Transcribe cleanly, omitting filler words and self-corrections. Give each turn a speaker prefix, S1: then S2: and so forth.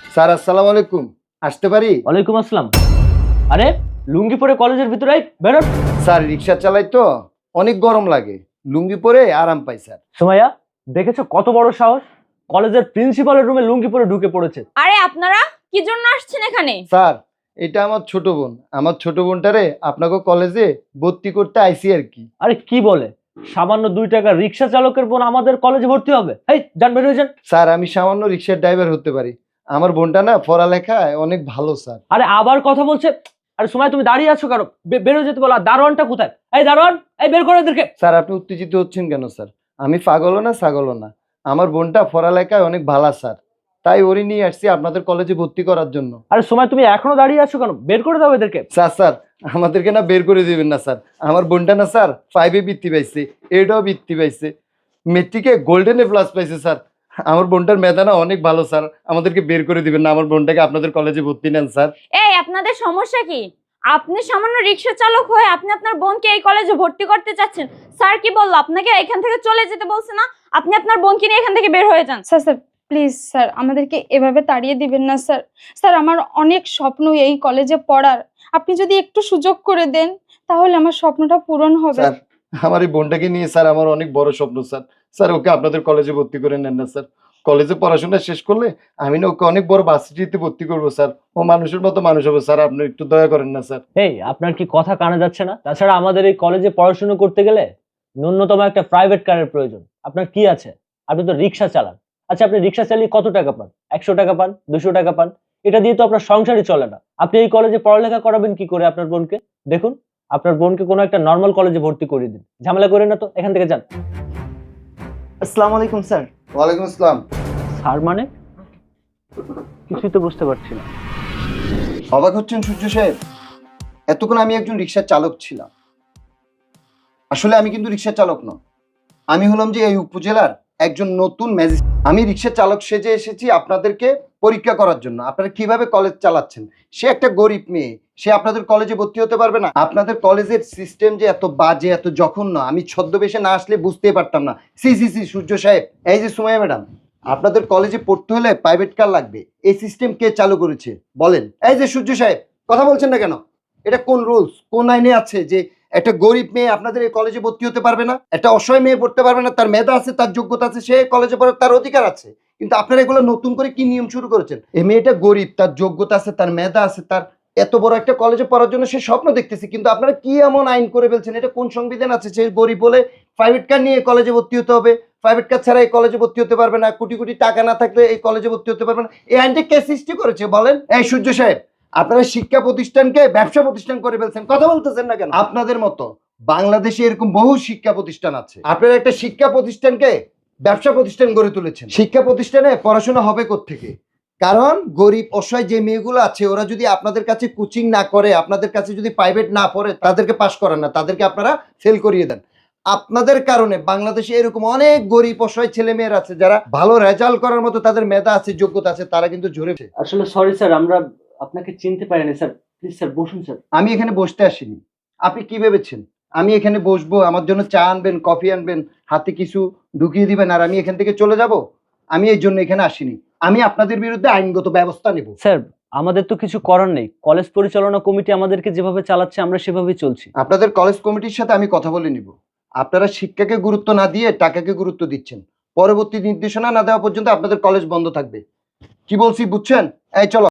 S1: Sir আসসালামু আলাইকুম, আসতে পারি?
S2: ওয়ালাইকুম আসসালাম। আরে লুঙ্গি পরে কলেজের ভিতরে বেরোন।
S1: স্যার রিক্সা চালাই তো, অনেক গরম লাগে, লুঙ্গি পরে আরাম পাই স্যার।
S2: সুমাইয়া, দেখেছো কত বড় সাহস? কলেজের প্রিন্সিপালের রুমে লুঙ্গি পরে ঢুকে পড়েছে।
S3: আরে আপনারা কি জন্য আসছেন এখানে?
S1: স্যার এটা আমার ছোট বোন, আমার ছোট বোনটারে আপনাকে কলেজে ভর্তি করতে আইসি আর কি।
S2: আরে কি বলে, সামান্য 2 টাকা রিক্সা চালকের বোন আমাদের কলেজে ভর্তি হবে? এই যান, বের হয়ে যান।
S1: স্যার আমি সামান্য রিক্সার ড্রাইভার হতে পারি, আমার বোনটা না পড়ালেখায় অনেক ভালো স্যার।
S2: আরে আবার কথা বলছে। আরে সুমাইয়া, তুমি দাঁড়িয়ে আছো কেন? বের হয়ে যেতে বলো। আর দারোয়ানটা কোথায়? এই দারোয়ান, এই বের করে এদেরকে।
S1: স্যার আপনি উত্তেজিত হচ্ছেন কেন স্যার? আমি পাগলও না ছাগলও না, আমার বোনটা পড়ালেখায় অনেক ভালো স্যার, তাই ওরই নিয়ে আসছি আপনাদের কলেজে ভর্তি করার জন্য।
S2: আরে সুমাইয়া, তুমি এখনো দাঁড়িয়ে আছো কেন? বের করে দাও এদেরকে।
S1: স্যার আমাদেরকে না বের করে দিবেন না স্যার, আমার বোনটা না স্যার 5-এ বৃত্তি পাইছে, 8-এও বৃত্তি পাইছে, মেট্রিকে গোল্ডেন প্লাস পাইছে স্যার। আমার বোনটার মেধা না অনেক ভালো স্যার, আমাদেরকে বের করে দিবেন না, আমার বোনটাকে আপনাদের কলেজে ভর্তি নেন স্যার।
S3: এই আপনাদের সমস্যা কি? আপনি সামান্য রিক্সা চালক হয়ে আপনি আপনার বোনকে এই কলেজে ভর্তি করতে চাচ্ছেন। স্যার কি বললো আপনাকে? এখান থেকে চলে যেতে বলছে না? আপনি আপনার বোনকে নিয়ে এখান থেকে বের হয়ে যান।
S4: স্যার স্যার প্লিজ স্যার, আমাদেরকে এভাবে তাড়িয়ে দিবেন না স্যার। স্যার আমার অনেক স্বপ্ন এই কলেজে পড়ার, আপনি যদি একটু সুযোগ করে দেন তাহলে আমার স্বপ্নটা পূরণ হবে।
S1: স্যার আমার এই বোনটাকে নিয়ে স্যার আমার অনেক বড় স্বপ্ন স্যার, স্যার ওকে আপনাদের কলেজে ভর্তি করে নেন না স্যার। কলেজে পড়াশোনা শেষ করলে আমি না ওকে অনেক বড় ভার্সিটিতে ভর্তি করবো স্যার, ও মানুষের মতো মানুষ হবে স্যার, আপনি একটু দয়া করেন না স্যার।
S2: এই আপনার কি কথা কানে যাচ্ছে না? তাছাড়া আমাদের এই কলেজে পড়াশোনা করতে গেলে ন্যূনতম একটা প্রাইভেট কারের প্রয়োজন। আপনার কি আছে? আপনি তো রিক্সা চালান। আচ্ছা, আপনি রিক্সা চালিয়ে কত টাকা পান? 100 টাকা পান, 200 টাকা পান? এটা দিয়ে তো আপনার সংসারই চলে না। আপনি এই কলেজে পড়ালেখা করাবেন কি করে আপনার বোনকে? দেখুন, আপনার বোনকে কোনো একটা নর্মাল কলেজে ভর্তি করে দিন। ঝামেলা করেন না তো, এখান থেকে যান।
S5: আসসালামু আলাইকুম স্যার।
S1: ওয়ালাইকুম আসসালাম।
S2: স্যার মানে? কিছুই তো বুঝতে পারছি না।
S1: অবাক হচ্ছেন সূর্য সাহেব? এতক্ষণ আমি একজন রিক্সার চালক ছিলাম, আসলে আমি কিন্তু রিক্সা চালক নয়, আমি হলাম যে এই উপজেলার একজন নতুন ম্যাজিস্ট্রেট। আমি রিক্সা চালক সেজে এসেছি আপনাদেরকে পরীক্ষা করার জন্য, আপনারা কিভাবে কলেজ চালাচ্ছেন। সে একটা গরিব মেয়ে, সে আপনাদের কলেজে ভর্তি হতে পারবে না? আপনাদের কলেজের সিস্টেম যে এত বাজে, এত জঘন্য, আমি ছদ্মবেশে না আসলে বুঝতেই পারতাম না। সি সি সি সূর্য সাহেব, এই যে সুমাইয়া ম্যাডাম, আপনাদের কলেজে পড়তে হলে প্রাইভেট কার লাগবে, এই সিস্টেম কে চালু করেছে বলেন? এই যে সূর্য সাহেব, কথা বলছেন না কেন? এটা কোন রুলস, কোন আইনে আছে যে একটা গরিব মেয়ে আপনাদের এই কলেজে ভর্তি হতে পারবে না? একটা অসহায় মেয়ে পড়তে পারবে না? তার মেধা আছে, তার যোগ্যতা আছে, সে কলেজে পড়ার তার অধিকার আছে, কিন্তু আপনারা এগুলো নতুন করে কি নিয়ম শুরু করেছেন? এই মেয়েটা গরিব, তার যোগ্যতা আছে, তার মেধা আছে, তার এত বড় একটা কলেজে পড়ার জন্য সে স্বপ্ন দেখতেছে, কিন্তু আপনারা কি এমন আইন করে ফেলছেন? এটা কোন সংবিধান আছে সে গরিব বলে প্রাইভেট কার নিয়ে কলেজে ভর্তি হতে হবে? প্রাইভেট কার ছাড়া এই কলেজে ভর্তি হতে পারবে না, কোটি কোটি টাকা না থাকলে এই কলেজে ভর্তি হতে পারবে না। এই আইনটা কে সৃষ্টি করেছে বলেন? এই সূর্য সাহেব, আপনারা শিক্ষা প্রতিষ্ঠানকে ব্যবসা প্রতিষ্ঠান করে ফেলছেন, কথা বলতেছেন না কেন? আপনাদের মতো বাংলাদেশে এরকম বহু শিক্ষা প্রতিষ্ঠান আছে, আপনারা একটা শিক্ষা প্রতিষ্ঠানকে ব্যবসা প্রতিষ্ঠান গড়ে তুলেছেন। শিক্ষা প্রতিষ্ঠানে পড়াশোনা হবে কোত্থেকে? কারণ গরিব অসহায় যে মেয়েগুলো আছে, ওরা যদি আপনাদের কাছে কোচিং না করে, আপনাদের কাছে যদি প্রাইভেট না পড়ে, তাদেরকে পাস করান না, তাদেরকে আপনারা ফেল করিয়ে দেন। আপনাদের কারণে বাংলাদেশে এরকম অনেক গরিব অসহায় ছেলে মেয়েরা আছে, যারা ভালো রেজাল্ট করার মতো তাদের মেধা আছে, যোগ্যতা আছে, তারা কিন্তু ঝরেছে।
S2: আসলে সরি স্যার, আমরা আপনাকে চিনতে পারিনি স্যার। প্লিজ স্যার বসুন স্যার।
S1: আমি এখানে বসতে আসিনি, আপনি কি ভেবেছেন আমি এখানে বসবো, আমার জন্য চা আনবেন, কফি আনবেন, হাতে কিছু ঢুকিয়ে দিবেন আর আমি এখান থেকে চলে যাব? আমি এই জন্য এখানে আসিনি, আমি আপনাদের বিরুদ্ধে আইনগত ব্যবস্থা নেব।
S2: স্যার, আমাদের তো কিছু করার নেই। কলেজ পরিচালনা কমিটি আমাদেরকে যেভাবে চালাচ্ছে আমরা সেভাবেই চলছি।
S1: আপনাদের কলেজ কমিটির সাথে আমি কথা বলে নিব। আপনারা শিক্ষাকে গুরুত্ব না দিয়ে টাকাকে গুরুত্ব দিচ্ছেন, পরবর্তী নির্দেশনা না দেওয়া পর্যন্ত আপনাদের কলেজ বন্ধ থাকবে। কি বলছি বুঝছেন? এই চলো।